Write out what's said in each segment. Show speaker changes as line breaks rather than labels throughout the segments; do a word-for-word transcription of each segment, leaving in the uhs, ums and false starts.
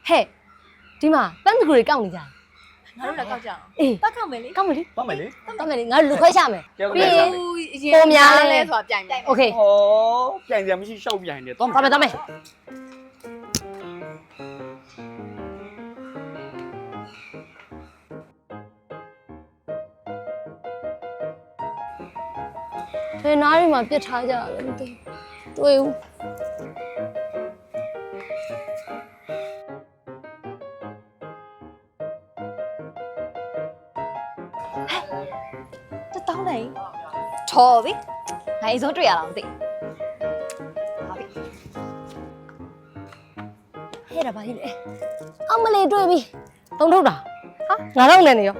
嘿，对嘛，咱这个人讲你讲。
ငါတို့လည်းကောက်ကြအောင်
哎，
တက်ခောက်မယ်လေ
讲没哩？
သွားမယ်လေ
讲没哩？俺六块下没？
ကဲဟုတ်
ပြီး
ကဲ့
ရင်
ပုံများလဲဆိုတာပြိုင်မယ်
OK，
ဟောပြိုင်စရာမရှိရှောက်ပြိုင်တယ်သွားမယ်
咱们咱们。这哪里嘛？别吵架了，对，对。
တက်တောင်းလိုက်ထော်ပြီငါအိမ်ဆုံးတွေ့ရလားမသိဟာပြီ
ဟဲ့ဒါပါကြီးလေအမလေးတွေ့ပြီတုံးထုတ်တာဟာငါတော့နေနေရော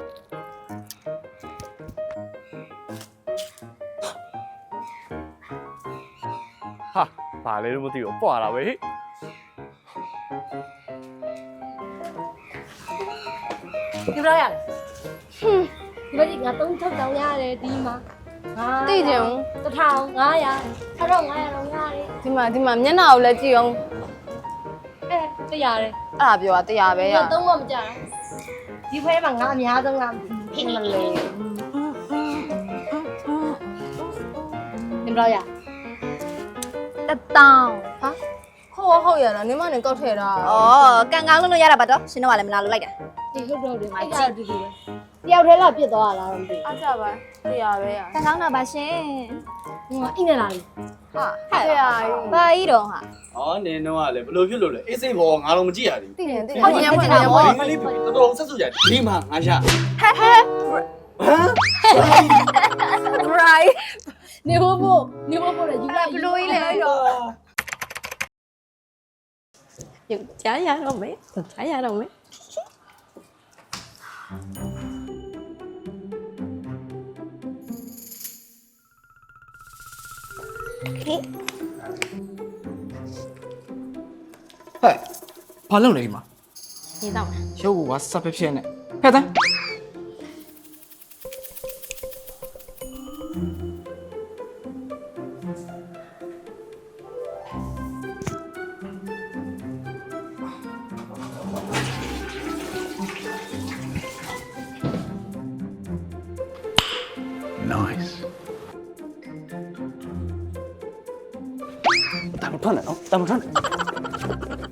ဟာဘာလဲတော့မသိဘူးပွာလာပဲဟေ့
ဒီဘက်ရဟွန်းဒီဘက်ငါတုံးထုတ်တောင်ရတယ်ဒီမှာငါ
သိကြုံ
တစ်ထောင်ငါးရာတစ်ထောင်ငါးရာတော့ရတယ်
ဒီမှာဒီမှာမျက်နှာကိုလည်းကြည့်အောင်
အဲတရားတယ်
အဲ့ဒါပြောတာတရားပဲရ
ငါတုံးမမကြတာဒီဖွဲမှာငါအများဆုံးငါဖိမလေးဒီဘက်ရ
တက်တောင်း
ဟာဟုတ်ဟုတ်ရလားနင်မနဲ့ကောက်ထည့်တာ
ဩကန်ကောင်းလို့လို့ရတာပါတော့ရှင်တို့ကလည်းမလာလို့လိုက်တာ
ဒီဟုတ်တော့ဒီမှာကြည့်တူတူပဲတယောက်တည်းလားပြစ်သွားလားတော့မသိ
အားကြပါတရားပဲရ
ကန်ကောင်းတာပါရှင်
ဘူးငါအိနေလာပြီ
ဟာ
ဟဲ့
တရားကြီး
ဘာကြီးတော့ဟာ
ဟောနင်းတော့ကလည်းဘလို့ဖြစ်လို့လဲအေးစိတ်ဘောငါတော့မကြည့်ရသေး
သိတယ်သိတယ်
ဟုတ်တယ်
ညံ့
ဟုတ်
ဖွ
တယ်
င့်ညံ့
ဟုတ်
ဖွ
တယ်
င့်
ဘူးလေးတော်တော်ဆက်စုကြဒီမှာငါရ
ဟဲ့ဟဲ့
ဟမ်
right
နေဖို့ဖို့နေဖို့ဖို့လည်းယူလိုက်
ဘလို့ကြီးလဲရော
ရုပ်ကြားရတော့မယ်ကြားရတော့မယ်
ဟဲ့ဘာလုပ်လဲဒီမှာ
ဒီတော့
ရုပ်ကစပ်ဖြစ်ဖြစ်နဲ့ဟဲ့တန်း
တာမထွက်နဲ့နော်တာမထွက်နဲ့